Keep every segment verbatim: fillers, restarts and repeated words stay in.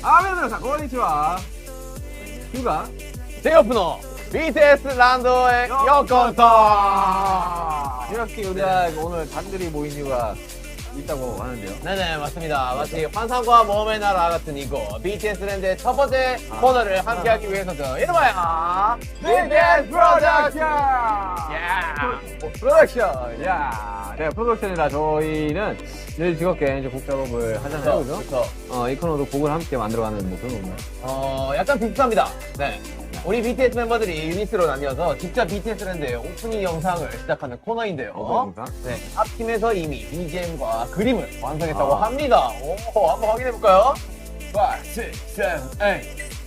아메리카 고니치와 휴가 제이오프너 비티에스 란도의 요코토. 이렇게 우리가 오늘 단들이 모인 이유가 있다고 하는데요. 네네 맞습니다. 마치 환상과 모험의 나라 같은 이곳 비티에스 랜드의 첫 번째 아. 코너를 함께하기 위해서죠. 이름하여 비티에스 프로덕션. 야 프로덕션. 야, 네 프로덕션이라 저희는 늘 즐겁게 이제 곡 작업을 하잖아요, 그죠? 그렇죠. 어, 이 코너도 곡을 함께 만들어가는 뭐 그런 건가요? 어 약간 비슷합니다. 네. 우리 비티에스 멤버들이 유닛으로 나뉘어서 직접 비티에스 랜드의 오프닝 영상을 시작하는 코너인데요. 어, 네, 앞팀에서 이미 비지엠과 그림을 완성했다고 아. 합니다. 오, 한번 확인해볼까요? 오, 육, 칠, 팔.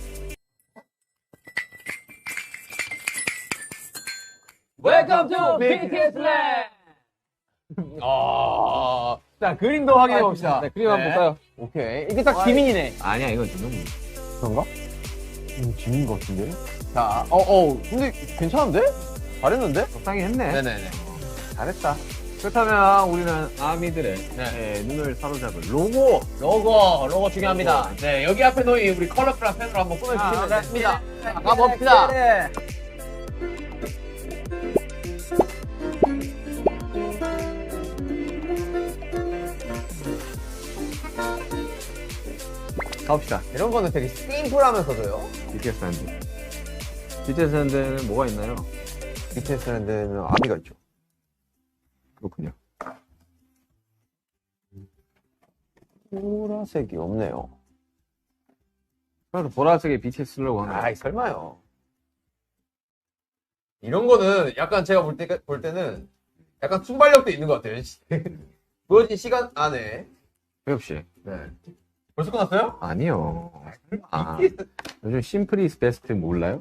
Welcome to 비티에스 랜드! 아, 자, 그림도 확인해봅시다. 네, 그림 한번 볼까요? 오케이. 이게 딱 지민이네. 아니야, 이건 좀 너무. 그런가? 음, 지민 것 같은데? 자, 어, 어, 근데 괜찮은데? 잘했는데? 적당히 했네. 네네네. 잘했다. 그렇다면 우리는 아미들의 네. 네, 눈을 사로잡을 로고. 로고, 로고 중요합니다. 네, 여기 앞에 놓인 우리 컬러풀한 펜으로 한번 꾸며주시면 아, 됩니다. 네. 자, 가봅시다. 네. 가봅시다. 이런 거는 되게 심플하면서도요. 비티에스 랜드. 비티에스 랜드는 뭐가 있나요? 비티에스 랜드는 아미가 있죠. 그렇군요. 보라색이 없네요. 그래서 보라색의 비티에스 로고 하나. 아이, 설마요. 이런 거는 약간 제가 볼, 때, 볼 때는 약간 순발력도 있는 것 같아요. 보여진 시간 안에. 혜엽 씨. 네. 벌써 끝났어요? 아니요. 아, 요즘 심플 이즈 베스트 몰라요?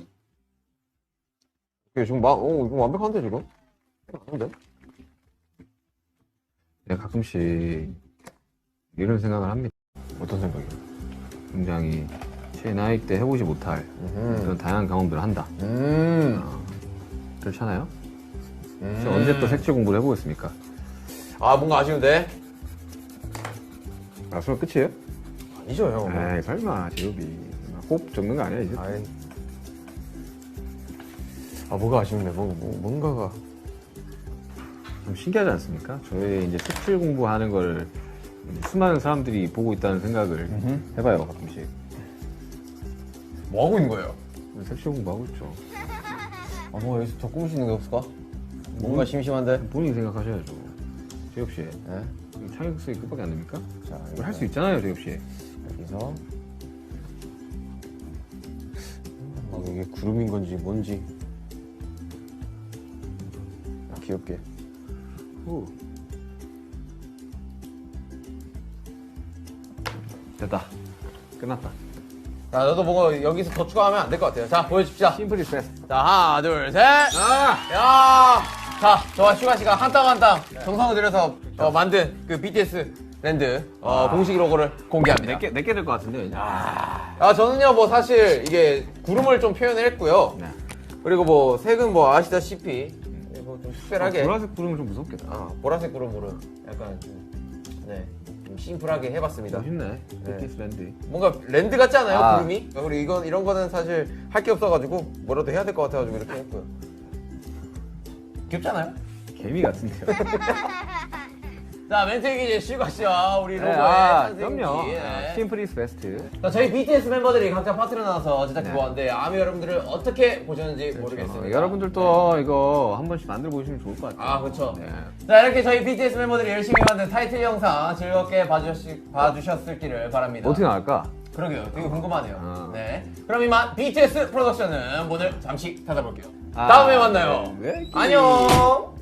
지금 막, 어, 이거 완벽한데, 지금? 아닌데? 내가 가끔씩 이런 생각을 합니다. 어떤 생각이요? 굉장히 제 나이 때 해보지 못할 그런 다양한 경험들을 한다. 음. 어, 그렇잖아요? 음. 저 언제 또 색칠 공부를 해보겠습니까? 아, 뭔가 아쉬운데? 아, 수업 끝이에요? 아니죠, 형. 에이, 설마, 제협이. 꼭 적는 거 아니야, 이제? 아이. 아, 뭐가 아쉽네. 뭐, 뭐, 뭔가가. 좀 신기하지 않습니까? 저희 이제 색칠 공부하는 걸 수많은 사람들이 보고 있다는 생각을 음흠. 해봐요, 가끔씩. 뭐 하고 있는 거예요? 색칠 공부하고 있죠. 아, 뭐, 여기서 더 꾸미시는 게 없을까? 뭔가 심심한데? 본인이 생각하셔야죠. 제협 씨. 네. 창의력이 끝밖에 안 됩니까? 자, 이걸 할 수 있잖아요, 제협 씨. 여기서. 막 이게 구름인 건지 뭔지. 아, 귀엽게. 후. 됐다. 끝났다. 자, 너도 뭔가 여기서 더 추가하면 안 될 것 같아요. 자, 보여줍시다. 심플 이즈 베스트. 자, 하나, 둘, 셋. 아! 야! 자, 저와 슈가 씨가 한 땀 한 땀 정성을 들여서 어, 만든 그 비티에스 랜드 어, 아. 공식 로고를 공개합니다. 내게 내게 될 것 같은데. 아. 아, 저는요, 뭐 사실 이게 구름을 좀 표현을 했고요. 네. 그리고 뭐 색은 뭐 아시다시피 뭐 좀 특별하게. 아, 보라색 구름은 좀 무섭겠다. 아, 보라색 구름으로 약간 좀, 네, 좀 심플하게 해봤습니다. 멋있네. 비티에스 랜드. 뭔가 랜드 같지 않아요, 아. 구름이? 우리 이건 이런 거는 사실 할 게 없어가지고 뭐라도 해야 될 것 같아가지고 이렇게 했고요. 귀엽잖아요? 개미 같은데요. 자, 멘트 얘기 이제 슈가 씨와 우리 로고의 네, 아, 선생님이. 그럼요. 네. 심플 이즈 베스트. 자, 저희 비티에스 멤버들이 각자 파트를 나눠서 제작해 네. 보았는데 아미 여러분들을 어떻게 보셨는지 모르겠습니다. 어, 여러분들도 이거 한 번씩 만들어 보시면 좋을 것 같아요. 아, 그렇죠. 네. 자, 이렇게 저희 비티에스 멤버들이 열심히 만든 타이틀 영상 즐겁게 봐주셨, 봐주셨을기를 바랍니다. 어떻게 나갈까? 그러게요. 되게 궁금하네요. 아. 네. 그럼 이만 비티에스 프로덕션은 문을 잠시 닫아볼게요. 아, 다음에 만나요. 네. 안녕.